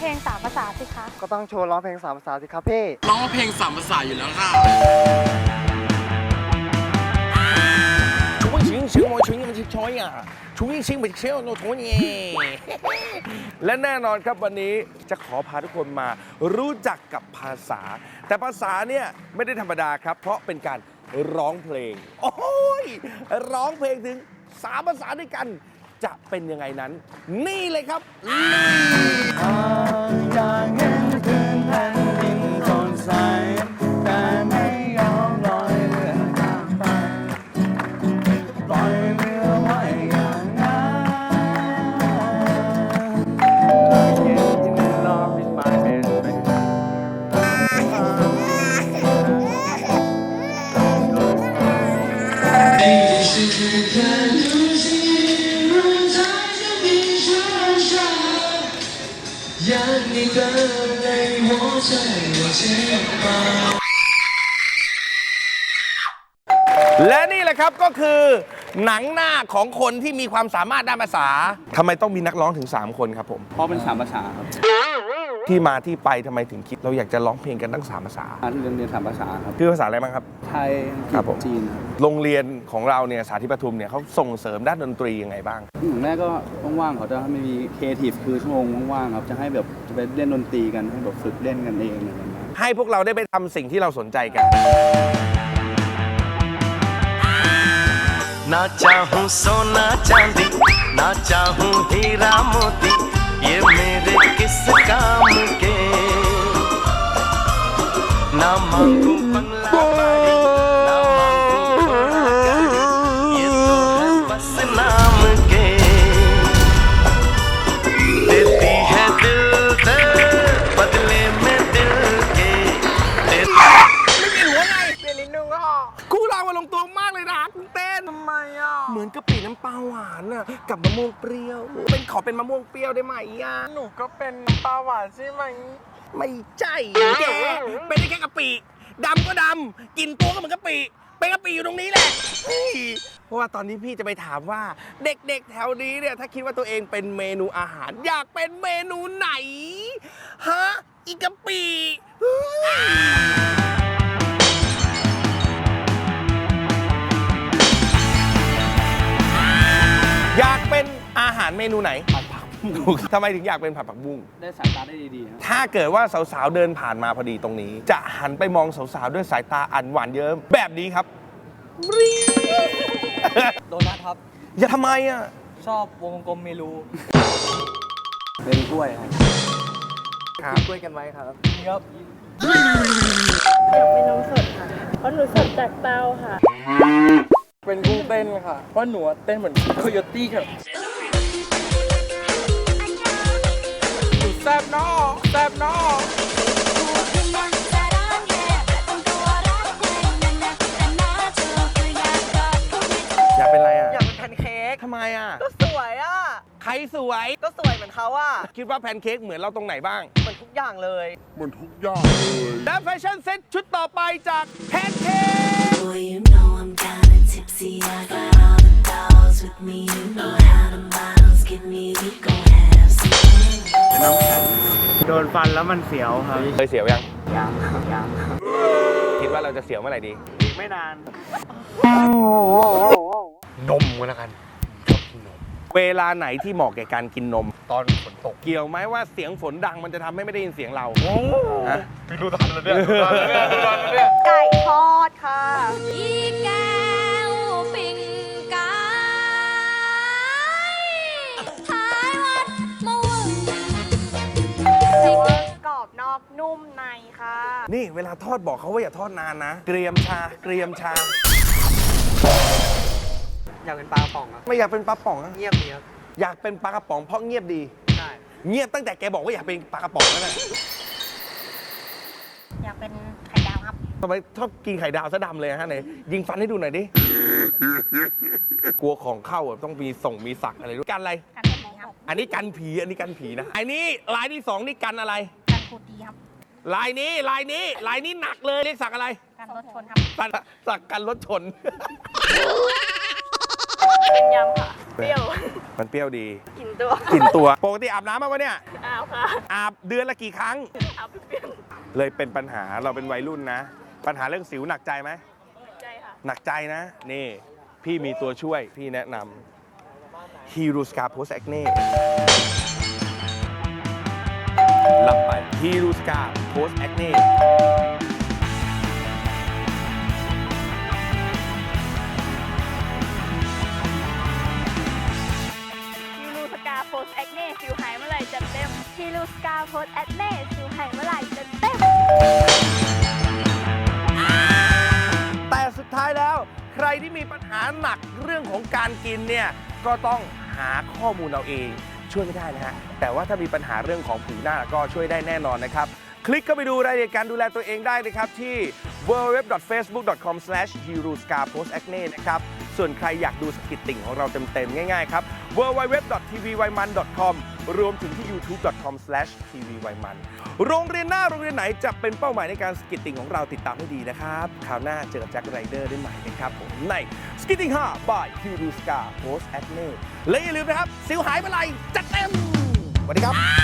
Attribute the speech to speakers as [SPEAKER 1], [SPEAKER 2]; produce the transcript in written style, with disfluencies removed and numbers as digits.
[SPEAKER 1] ลง3 ภาษาสิคะ
[SPEAKER 2] ก็ต้องโชว์ร้องเพลง3 ภาษาสิครับพี่
[SPEAKER 3] ร้องเพลง3 ภาษาอยู่แล้วค่ะ
[SPEAKER 4] และแน่นอนครับวันนี้จะขอพาทุกคนมารู้จักกับภาษาแต่ภาษาเนี่ยไม่ได้ธรรมดาครับเพราะเป็นการร้องเพลงโอ้ยร้องเพลงถึง3 ภาษาด้วยกันจะเป็นยังไงนั้นนี่เลยครับ
[SPEAKER 2] อย่างเห็นคืนแผ่นดินสดใสแต่ไม่ยอมลอยเรือข้ามไปปล่อยเรือไว้อย่างนั้นLove is my best friend
[SPEAKER 4] และนี่แหละครับก็คือหนังหน้าของคนที่มีความสามารถด้านภาษาทำไมต้องมีนักร้องถึง3 คนครับผม
[SPEAKER 5] เพราะเป็น3 ภาษาครับ
[SPEAKER 4] ที่มาที่ไปทำไมถึงคิดเราอยากจะร้องเพลงกันทั้ง3 ภาษา
[SPEAKER 5] เรียน3 ภาษาครับ
[SPEAKER 4] คือภาษาอะไรบ้างครับ
[SPEAKER 5] ไทยอังกฤษจีนครับ
[SPEAKER 4] โรงเรียนของเราเนี่ยสาธิตปทุมเนี่ยเขาส่งเสริมด้านดนตรียังไงบ้าง
[SPEAKER 5] อย่างแรกก็ว่างๆเขาจะมีครีเอทีฟคือชั่วโมงว่างๆครับจะให้แบบจะไปเล่นดนตรีกันให้แบบฝึกเล่นกันเองอะไรอย่างเงี้ย
[SPEAKER 4] ให้พวกเราได้ไปทำสิ่งที่เราสนใจกัน
[SPEAKER 6] ना चाहूं सोना चांदी ना चाहूं हीरा मोती ये मेरे किस काम के ना मांगू बंगला बाड़ी ना मांगू घोड़ा गाड़ी ये तो है बस नाम के देती है दिल दे बदले में दिल के
[SPEAKER 4] คู่เราลงตัวมากเลยนะคุณเต้นทำไมอ่ะเหมือนกะปิน้ำปลาหวานอ่ะกับมะม่วงเปรี้ยวขอเป็นมะม่วงเปรี้ยวได้ไหมอ่ะ
[SPEAKER 2] หนูก็เป็นปลาหวานใช่ไหม
[SPEAKER 4] ไม่ใช่แกเป็นได้แค่กะปิดำก็ดำกินตัวก็เหมือนกะปิเป็นกะปิอยู่ตรงนี้แหละเพราะว่าตอนนี้พี่จะไปถามว่าเด็กๆแถวนี้เนี่ยถ้าคิดว่าตัวเองเป็นเมนูอาหารอยากเป็นเมนูไหนฮะอีกะปิอยากเป็นอาหารเมนูไหนผัดผักบุ้งทำไมถึงอยากเป็นผัดผักบุ้ง
[SPEAKER 5] ได้สายตาได้ดีๆครับ
[SPEAKER 4] ถ้าเกิดว่าสาวๆเดินผ่านมาพอดีตรงนี้จะหันไปมองสาวๆด้วยสายตาอันหวานเยิ้มแบบนี้ครับ
[SPEAKER 7] โดนัทครับ
[SPEAKER 4] อย่าทำไมอ่ะ
[SPEAKER 7] ชอบวงกลมเมลู
[SPEAKER 5] เป็นกล้วยครับ
[SPEAKER 7] กินกล้วยกันไหมครับ
[SPEAKER 1] อยากเป็นนมสดค่ะเพราะหนูสดจากเตาค่ะ
[SPEAKER 7] เป็นกุ้งเต้นค่ะเพราะหนูเต้นเหมือนโคโยตี้ค่ะ
[SPEAKER 4] แซ่บนอแซ่บนออยากเป็นอะไรอ่ะ
[SPEAKER 2] อยากเป็นแพนเค้ก
[SPEAKER 4] ทำไมอ่ะ
[SPEAKER 2] ก็สวยอ่ะ
[SPEAKER 4] ใครสวย
[SPEAKER 2] ก็สวยเหมือนเขาอ่ะ
[SPEAKER 4] คิดว่าแพนเค้กเหมือนเราตรงไหนบ้าง
[SPEAKER 2] เหมือนทุกอย่างเลย
[SPEAKER 4] และแฟชั่นเซ็ตชุดต่อไปจากแพนเค้ก
[SPEAKER 8] Boy, you know I'm kinda tipsy. I got all the dolls with me. You know how the models get me. We gon' have some fun.
[SPEAKER 2] โดนฟันแล้วมันเสียวครับ
[SPEAKER 4] เคยเสียวยัง
[SPEAKER 2] ยัง
[SPEAKER 4] คิดว่าเราจะเสียวเมื่อไหร่ดี
[SPEAKER 2] อีกไม่นาน
[SPEAKER 4] นมก็แล้วกันชอบกินนมเวลาไหนที่เหมาะแก่การกินนม
[SPEAKER 2] ตอนฝนตก
[SPEAKER 4] เกี่ยวไหมว่าเสียงฝนดังมันจะทำให้ไม่ได้ยินเสียงเราฮะ
[SPEAKER 2] พี่รู้ทันแล้วเนี่ยไก่ทอดค่ะ
[SPEAKER 1] อีแก้วปิ่งไก่ท้ายวัดมะวึงกรอบนอกนุ่มในค่ะ
[SPEAKER 4] นี่เวลาทอดบอกเขาว่าอย่าทอดนานนะเกรียมชา
[SPEAKER 7] อยากเป็นปลากระป๋องครับ
[SPEAKER 4] ไม่อยากเป็นปลาป๋อง
[SPEAKER 7] เงียบดีครับ
[SPEAKER 4] อยากเป็นปลากระป๋องเพราะเงียบดี
[SPEAKER 7] ใช่
[SPEAKER 4] เงียบตั้งแต่แกบอกว่าอยากเป็นปลากระป๋องแล้วนะ
[SPEAKER 1] อยากเป็นไข่ดาวครับ
[SPEAKER 4] ทำไมชอบกินไข่ดาวซะดำเลยฮะไหนยิงฟันให้ดูหน่อยดิกลัวของเข้าต้องมีสักอะไรด้วยกันอะไร
[SPEAKER 1] กันผีครับ
[SPEAKER 4] อันนี้กันผีนะอันนี้ลายที่2นี่กันอะไร
[SPEAKER 1] กันโคตีครับ
[SPEAKER 4] ลายนี้หนักเลยเรียกสักอะไร
[SPEAKER 1] กันรถชนครับ
[SPEAKER 4] สักกันรถชน
[SPEAKER 1] เป็นยำค่ะ
[SPEAKER 9] เปรี้ยว
[SPEAKER 4] มันเปรี้ยวดี
[SPEAKER 9] กลิ่นตัว
[SPEAKER 4] กลิ่นตัวปกติอาบน้ำมาวะเนี่ย
[SPEAKER 9] อ้าวค่ะ
[SPEAKER 4] อาบเดือนละกี่ครั้ง
[SPEAKER 9] เอาเปรี้ยว
[SPEAKER 4] เลยเป็นปัญหาเราเป็นวัยรุ่นนะ ปัญหาเรื่องสิวหนักใจไหม
[SPEAKER 9] ใจค่ะ
[SPEAKER 4] หนักใจนะ นี่ พี่มีตัวช่วยพี่แนะนำ Hero Scar Post Acne รับไป Hero Scar Post Acne
[SPEAKER 9] ฮีรูสกาโพสแอคเน่สิวหายเมื่อไหร่จัดเต็มฮีรูสกาโพสแอคเน่สิวหายเมื่อไหร่จัดเต็ม
[SPEAKER 4] แต่สุดท้ายแล้วใครที่มีปัญหาหนักเรื่องของการกินเนี่ยก็ต้องหาข้อมูลเอาเองช่วยไม่ได้นะฮะแต่ว่าถ้ามีปัญหาเรื่องของผิวหน้าก็ช่วยได้แน่นอนนะครับคลิกเข้าไปดูรายละเอียดการดูแลตัวเองได้นะครับที่ www.facebook.com/HeroScarPostAcne นะครับส่วนใครอยากดูสกิทติ่งของเราเต็มๆง่ายๆครับ www.tvwaiman.com รวมถึงที่ youtube.com/tvwaiman โรงเรียนหน้าโรงเรียนไหนจะเป็นเป้าหมายในการสกิทติ่งของเราติดตามให้ดีนะครับคราวหน้าเจอกับแจ็คไรเดอร์ได้ใหม่นะครับผมในสกิทติ่ง5 by HeroScarPostAcne และอย่าลืมนะครับสิวหายเมื่อไหร่จัดเต็มสวัสดีครับ